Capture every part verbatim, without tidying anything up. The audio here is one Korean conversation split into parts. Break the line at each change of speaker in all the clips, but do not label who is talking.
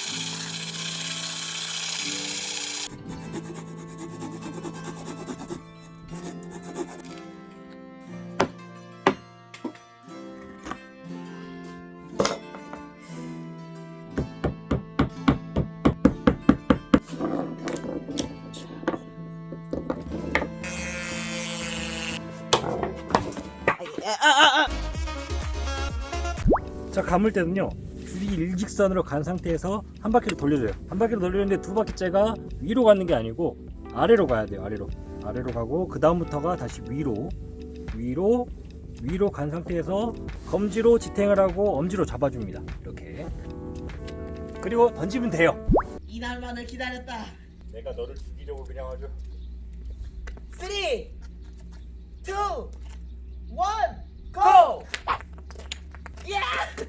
자, 감을 때는요 줄이 일직선으로 간 상태에서 한 바퀴를 돌려줘요. 한 바퀴를 돌리는데 두 바퀴째가 위로 가는 게 아니고 아래로 가야 돼요. 아래로 아래로 가고 그 다음부터가 다시 위로 위로 위로 간 상태에서 검지로 지탱을 하고 엄지로 잡아줍니다. 이렇게. 그리고 던지면 돼요.
이날만을 기다렸다.
내가 너를 죽이려고 그냥 아주.
쓰리, 투, 원, 고! 야!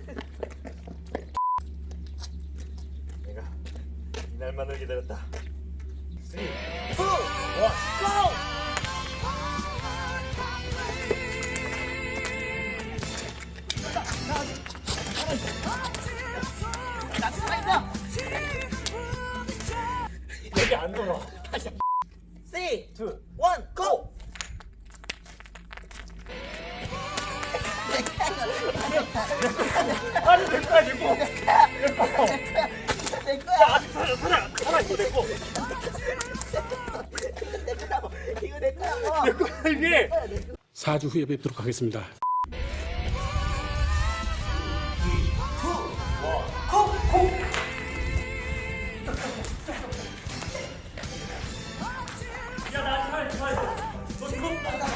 내가 이날만을 기다렸다. 쓰리,
투,
원.
고! 나 살아있어!
여기 안 돌아. 다시.
쓰리,
투.
원, 고!
아니 내 거야 내 거. 내 거.
내 거야!
아직 살아 살아 살아 이거 내 거.
내 거라고! 이거 내 거라고!
내 거야 이게.
사 주 후에 뵙도록 하겠습니다.
야나 잘 잘. 너 이거.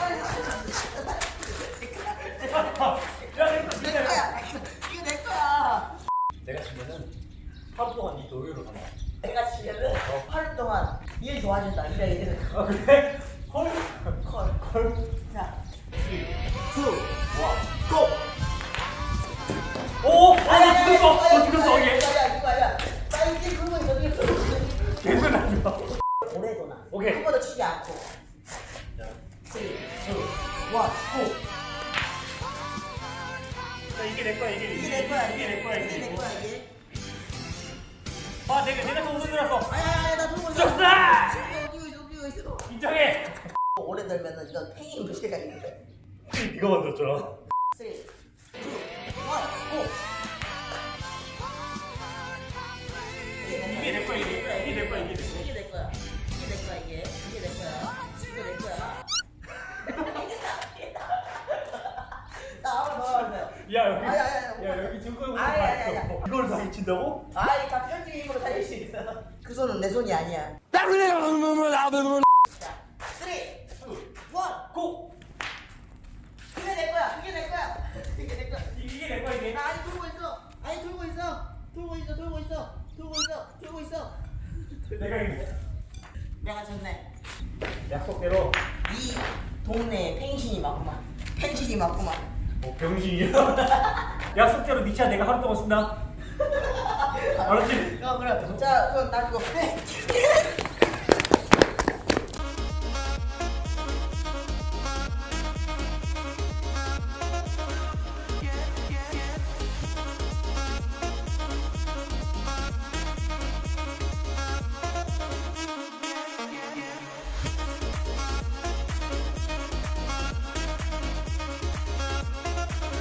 야내 거.
내 거야! 이거 내 거야!
내가 지면은 하루 동안 이 노예로 간다.
내가 지면은 하루 동안 일 도와준다. 이래 이래.
아 그래? 헐.
콜.
헐.
자,
투, 원, 고! 오! 아, 나 죽였어! 너 죽였어, 얘!
야, 이거 아니야. 나 이제 그거 있어, 이거 그거 있어.
계속 나죠.
오래도나.
오케이.
한 번도 치지 않고.
자,
쓰리,
투,
원,
고! 자, 이게 내 거야, 이게.
이게 내 거야.
이게 내 거야,
이게 내
이게.
거야, 이게.
아, 내가, 내가 더 우승 들었어!
아야, 아야, 나 들고 있어.
졌어!
웃기고 있어, 웃기고 있어.
인정해!
오래 들면은 이건 팽이 문제가 있는데.
이거 만들었잖아.
쓰리, 투, 원, 고!
이게 내 거야, 이게. 이게 내 거야, 이게 내 거야.
이게 내 거야. 이게 내 거야, 이게. 이게 내 거야. 이거 내 거야. 나 한번 더 하세요.
야, 여기.
아니, 아니, 아니.
야, 여기 증거용
아니,
다
아니, 아니,
있어.
아니.
이걸 다 미친다고?
아이, 다 편지 힘으로 살릴 수 있어. 그 손은 내 손이 아니야. 자, 쓰리,
투,
원.
고!
이게 내 거야. 이게 내 거야. 이게 내 거야.
이게 내 거야, 이게.
나 아니 돌고 있어. 아니 돌고 있어. 돌고 있어. 돌고 있어. 돌고 있어. 돌고 있어.
내가 이게.
내가 졌네.
약속대로.
이 동네에 펜신이 맞구만. 펜신이 맞구만.
뭐 병신이야? 약속대로 니차 내가 하루 동안 쓴다. 알았지?
어 그래. 자, 그럼 나 그거 빼.